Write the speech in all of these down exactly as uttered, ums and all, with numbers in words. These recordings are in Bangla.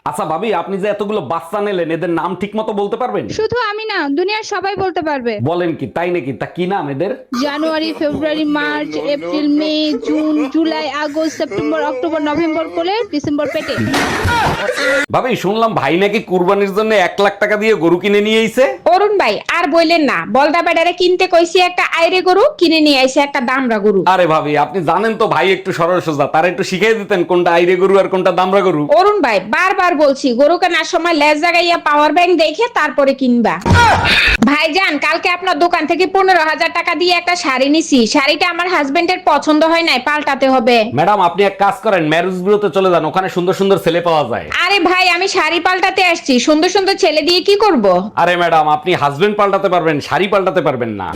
আচ্ছা ভাবি, আপনি যে এতগুলো বাচ্চা নিলেন, এদের নাম ঠিক মতো বলতে পারবেন? শুধু আমি না, দুনিয়ার সবাই বলতে পারবে। বলেন কি, তাই নাকি? তা কি নাম এদের? January, February, March, April, May, June, July, August, September, October, November করে ডিসেম্বর পেটে। ভাবি, শুনলাম ভাই নাকি কুরবানির জন্য এক লাখ টাকা দিয়ে গরু কিনে নিয়ে আইছে। অরুণ ভাই আর বললেন না, বলদা বেডারে কিনতে কইছি একটা আইরে গরু, কিনে নিয়ে আইছে একটা দামরা গরু। আরে ভাবি, আপনি জানেন তো ভাই একটু সরল সোজা, তার একটু শিখিয়ে দিতেন কোনটা আইরে গরু আর কোনটা দামরা গরু। অরুণ ভাই বারবার বলছি, গরু কেনার সময় লেজ জাগাইয়া পাওয়ার ব্যাংক দেখে তারপরে কিনবা। ভাইজান, কালকে আপনার দোকান থেকে পনেরো হাজার টাকা দিয়ে একটা শাড়ি নিছি, শাড়িটা আমার হাজবেন্ডের পছন্দ হয় নাই, পাল্টাতে হবে। ম্যাডাম, আপনি এক কাজ করেন, ম্যারেজ বিউরোতে চলে যান, ওখানে সুন্দর সুন্দর ছেলে পাওয়া যায়। আরে ভাই, আমি শাড়ি পাল্টাতে আসছি, সুন্দর সুন্দর ছেলে দিয়ে কি করব? আরে ম্যাডাম, আপনি হাজবেন্ড পাল্টাতে পারবেন, শাড়ি পাল্টাতে পারবেন না।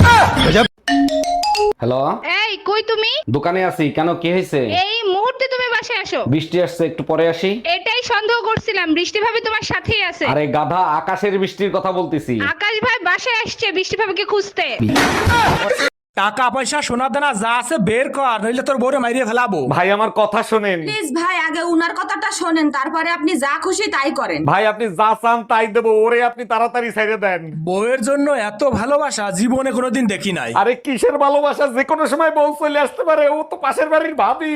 হ্যালো, এই কই তুমি? দোকানে আছি। কেন, কি হয়েছে? এই মুহূর্তে তুমি বাসায় আসো। বৃষ্টি আসছে, একটু পরে আসি। এটাই সন্দেহ করছিলাম, বৃষ্টি ভাবি তোমার সাথেই আছে। আরে গাধা, আকাশের বৃষ্টির কথা বলতেছি। আকাশ ভাই বাসায় আসছে বৃষ্টি ভাবিকে খুঁজতে। টাকা পয়সা সোনা দানা যা আছে বের কর, নইলে তোর বউরে মাইরিয়ে ফেলাবো। ভাই, আমার কথা শোনেন। প্লিজ ভাই, আগে উনার কথাটা শোনেন, তারপরে আপনি যা খুশি তাই করেন। ভাই, আপনি যা চান তাই দেবো, ওরে আপনি তাড়াতাড়ি ছেড়ে দেন। বউয়ের জন্য এত ভালোবাসা জীবনে কোনোদিন দেখি নাই। আরে কিসের ভালোবাসা, যে কোনো সময় বউ চলে আসতে পারে, ও তো পাশের বাড়ির ভাবি।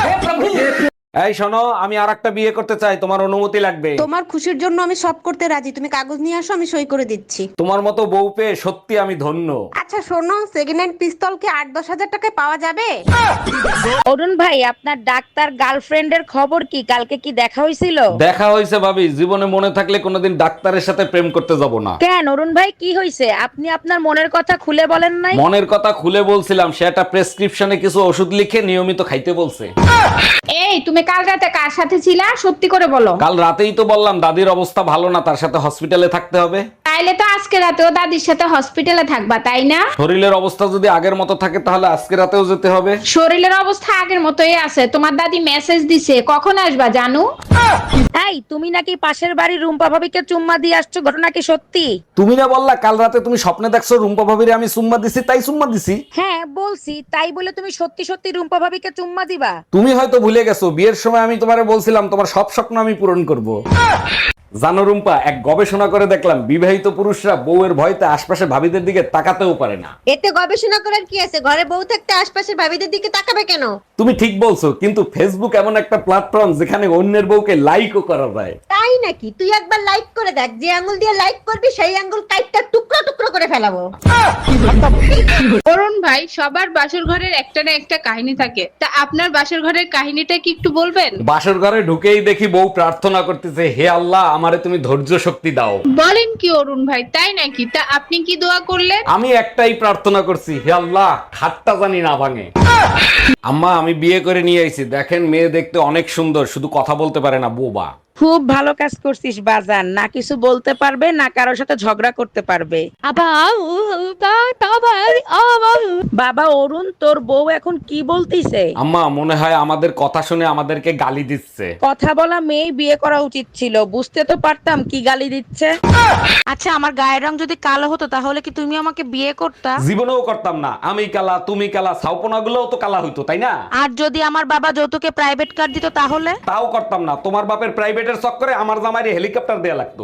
এই শোনো, আমি আর একটা বিয়ে করতে চাই, তোমার অনুমতি লাগবে। তোমার খুশির জন্য আমি সব করতে রাজি, তুমি কাগজ নিয়ে আসো, আমি সই করে দিচ্ছি। তোমার মতো বউ পেয়ে সত্যি আমি ধন্য। আচ্ছা শোনো, সেকেন্ড হ্যান্ড পিস্তল কি আট দশ হাজার টাকায় পাওয়া যাবে? অরুণ ভাই, আপনার ডাক্তার গার্লফ্রেন্ডের খবর কি? কালকে কি দেখা হয়েছিল? দেখা হয়েছে ভাবি, জীবনে মনে থাকলে কোনোদিন ডাক্তারের সাথে প্রেম করতে যাব না। কেন অরুণ ভাই, কি হয়েছে? আপনি আপনার মনের কথা খুলে বলেন নাই? মনের কথা খুলে বলছিলাম, সে একটা প্রেসক্রিপশনে কিছু ওষুধ লিখে নিয়মিত খাইতে বলছে। এই তুমি কাল রাতে কার সাথে ছিলা, সত্যি করে বলো। কাল রাতেই তো বললাম দাদির অবস্থা ভালো না, তার সাথে হসপিটালে থাকতে হবে। তাইলে তো আজকে রাতেও দাদির সাথে হসপিটালে থাকবা, তাই না? শরীরের অবস্থা যদি আগের মতো থাকে তাহলে আজকে রাতেও যেতে হবে। শরীরের অবস্থা আগের মতোই আছে, তোমার দাদি মেসেজ দিছে, কখন আসবা জানু? এই, তুমি নাকি পাশের বাড়ির রুম্পা ভাবিকে চুম্মা দিয়ে আসছো, ঘটনা কি সত্যি? তুমি না বললা কাল রাতে তুমি স্বপ্নে দেখছো রুম্পা ভাবিরে আমি চুম্মা দিছি, তাই চুম্মা দিছি। হ্যাঁ বলছি, তাই বলে তুমি সত্যি সত্যি রুম্পা ভাবিকে চুম্মা দিবা? তুমি হয়তো ভুলে গেছো, বিয়ের সময় আমি তোমারে বলছিলাম তোমার সব স্বপ্ন আমি পূরণ করব। জানো রুম্পা, এক গবেষণা করে দেখলাম বিবাহিত পুরুষরা বউয়ের ভয়তে আশপাশে ভাবিদের দিকে তাকাতেও পারে না। এতে গবেষণা করার কি আছে? ঘরে বউ থাকতে আশপাশের ভাবিদের দিকে তাকাবে কেন? তুমি ঠিক বলছো, কিন্তু ফেসবুক এমন একটা প্ল্যাটফর্ম যেখানে অন্যের বউকে লাইকও করা যায়। তাই নাকি? তুই একবার লাইক করে দেখ, যে আঙ্গুল দিয়ে লাইক করবি সেই আঙ্গুল কাইটটা টুকরো টুকরো করে ফেলাবো। অরুণ ভাই, সবার বাসর ঘরের একটা না একটা কাহিনী থাকে, তা আপনার বাসর ঘরের কাহিনীটা কি একটু বলবেন? বাসর ঘরে ঢুকেই দেখি বউ প্রার্থনা করতেছে, হে আল্লাহ, আমারে তুমি ধৈর্য শক্তি দাও। বলেন কি অরুণ ভাই, তাই নাকি? তা আপনি কি দোয়া করলেন? আমি একটাই প্রার্থনা করছি, হে আল্লাহ, খাটটা জানি না ভাঙে। আম্মা, আমি বিয়ে করে নিয়ে আইছি, দেখেন মেয়ে দেখতে অনেক সুন্দর, শুধু কথা বলতে পারে না, বোবা। খুব ভালো কাজ করছিস বাজান, না কিছু বলতে পারবে না কারোর সাথে ঝগড়া করতে পারবে। বাবা অরুণ, তোর বউ এখন কি বলতিছে? আম্মা, মনে হয় আমাদের কথা শুনে আমাদেরকে গালি দিচ্ছে। কথা বলা মেয়ে বিয়ে করা উচিত ছিল, বুঝতে তো পারতাম কি গালি দিচ্ছে। আচ্ছা, আমার গায়ের রং যদি কালো হতো তাহলে কি তুমি আমাকে বিয়ে করতা? জীবনেও করতাম না। আমি কালা, তুমি কালা, ছাউপনা গুলোও তো কালা হইতো, তাই না? আর যদি আমার বাবা যৌতুকে প্রাইভেট কার দিত তাহলে? তাও করতাম না। তোমার বাপের প্রাইভেটের চক্করে আমার জামাইরে হেলিকপ্টার দেয়া লাগতো।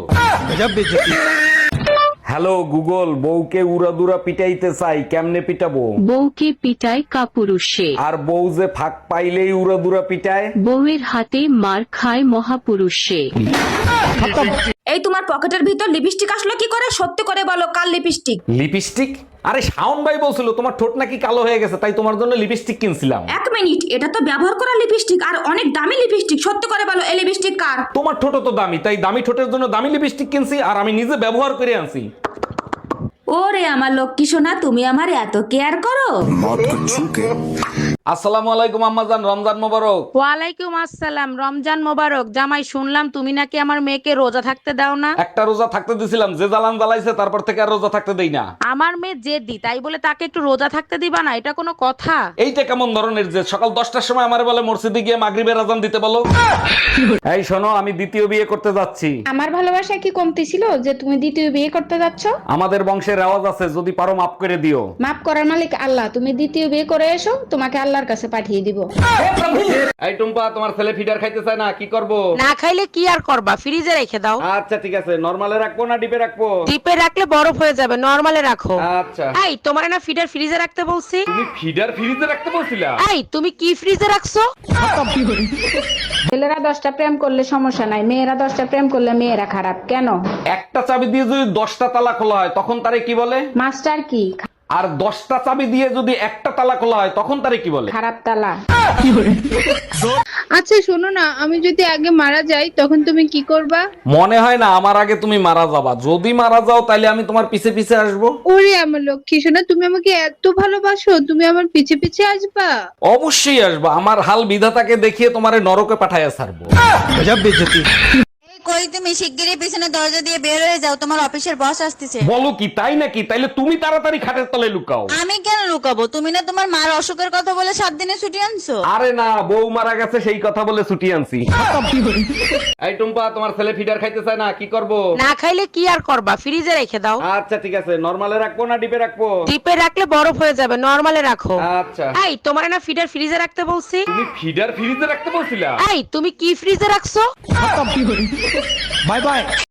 হ্যালো গুগল, বউকে উড়াদুরা পিটাইতে চাই, কেমনে পিটাবো? বউকে পিটায় কাপুরুষে, আর বউ যে ফাঁক পাইলেই উড়াদুরা পিটায়। বউয়ের হাতে মার খায় মহাপুরুষে। এই তোমার পকেটের ভিতর লিপস্টিক আসলো কি করে? সত্যি করে বলো, কাল লিপস্টিক? লিপস্টিক? আরে শাওন ভাই বলছিল তোমার ঠোঁট নাকি কালো হয়ে গেছে, তাই তোমার জন্য লিপস্টিক কিনছিলাম। এক মিনিট, এটা তো ব্যবহার করা লিপস্টিক আর অনেক দামি লিপস্টিক। সত্যি করে বলো, এই লিপস্টিক কার? তোমার ঠোঁট তো দামি, তাই দামি ঠোঁটের জন্য দামি লিপস্টিক কিনছি, আর আমি নিজে ব্যবহার করে আনছি। ওরে আমার লক্ষ্মী সোনা, তুমি আমার এত কেয়ার করো। আসসালামু আলাইকুম আম্মাজান, রমজান মোবারক। ওয়ালাইকুম আসসালাম, রমজান মোবারক। জামাই, শুনলাম তুমি নাকি আমার মেয়েকে রোজা থাকতে দাও না। একটা রোজা থাকতে দিছিলাম, যে জ্বালান জ্বালাইছে তারপর থেকে আর রোজা থাকতে দেই না। আমার মেয়ে জেদি, তাই বলে তাকে একটু রোজা থাকতে দিবা না? এটা কোনো কথা? এইটা কেমন ধরনের যে সকাল দশটার সময় আমার বলে মসজিদে গিয়ে মাগরিবের আজান দিতে বলো? এই শোনো, আমি দ্বিতীয় বিয়ে করতে যাচ্ছি। আমার ভালোবাসা কি কমতি ছিল যে তুমি দ্বিতীয় বিয়ে করতে যাচ্ছ? আমাদের বংশের রেওয়াজ আছে, যদি পারো মাফ করে দিও। মাফ করার মালিক আল্লাহ, তুমি দ্বিতীয় বিয়ে করে এসো, তোমাকে আল্লাহ আল্লাহর কাছে পাঠিয়ে দিব। এই টুম্পা, তোমার ছেলে ফিডার খাইতে চায় না, কি করব? না খাইলে কি আর করবা, ফ্রিজে রেখে দাও। আচ্ছা ঠিক আছে, নরমালে রাখবো না ডিপে রাখবো? ডিপে রাখলে বরফ হয়ে যাবে, নরমালে রাখো। আচ্ছা। এই তোমার না ফিডার ফ্রিজে রাখতে বলছি? তুমি ফিডার ফ্রিজে রাখতে বলছিলা? এই তুমি কি ফ্রিজে রাখছো? ছেলেরা দশটা প্রেম করলে সমস্যা নাই, মেয়েরা দশটা প্রেম করলে মেয়েরা খারাপ কেন? একটা চাবি দিয়ে যদি দশটা তালা খোলা হয় তখন তারে কি বলে? মাস্টার কি? আর দশটা চাবি দিয়ে যদি একটা তালা খোলা হয় তখন তারে কি বলে? খারাপ তালা। আচ্ছা শোনো না, আমি যদি আগে মারা যাই তখন তুমি কি করবা? মনে হয় না আমার আগে তুমি মারা যাবা। যদি মারা যাও তাহলে আমি তোমার পিছে পিছে আসবো। ওরে আমার লক্ষ্মী সোনা, তুমি আমাকে এত ভালোবাসো, তুমি আমার পিছে পিছে আসবা? অবশ্যই আসবো, আমার হাল বিধাতাকে দেখিয়ে তোমারে নরকে পাঠাইয়া ছাড়বো। কই তুমি শিগগিরই পিছনে দরজা দিয়ে বের হয়ে যাও, তোমার অফিসের বস আসতেছে। বলো কি, তাই নাকি? তাইলে তুমি তাড়াতাড়ি খাটের তলায় লুকাও। আমি কেন লুকাবো? তুমি না তোমার মার অসুখের কথা বলে সাত দিনে ছুটি আনছো। আরে না, বউ মারা গেছে সেই কথা বলে ছুটি আনছি। এই টুম্পা, তোমার ছেলে ফিডার খাইতে চায় না, কি করব? না খাইলে কি আর করবা, ফ্রিজে রেখে দাও। আচ্ছা ঠিক আছে, নরমালে রাখবো না ডিপে রাখবো? ডিপে রাখলে বরফ হয়ে যাবে, নরমালে রাখো। আচ্ছা। এই তোমার না ফিডার ফ্রিজে রাখতে বলছি? তুমি ফিডার ফ্রিজে রাখতে বলছিলা? এই তুমি কি ফ্রিজে রাখছো? Bye by.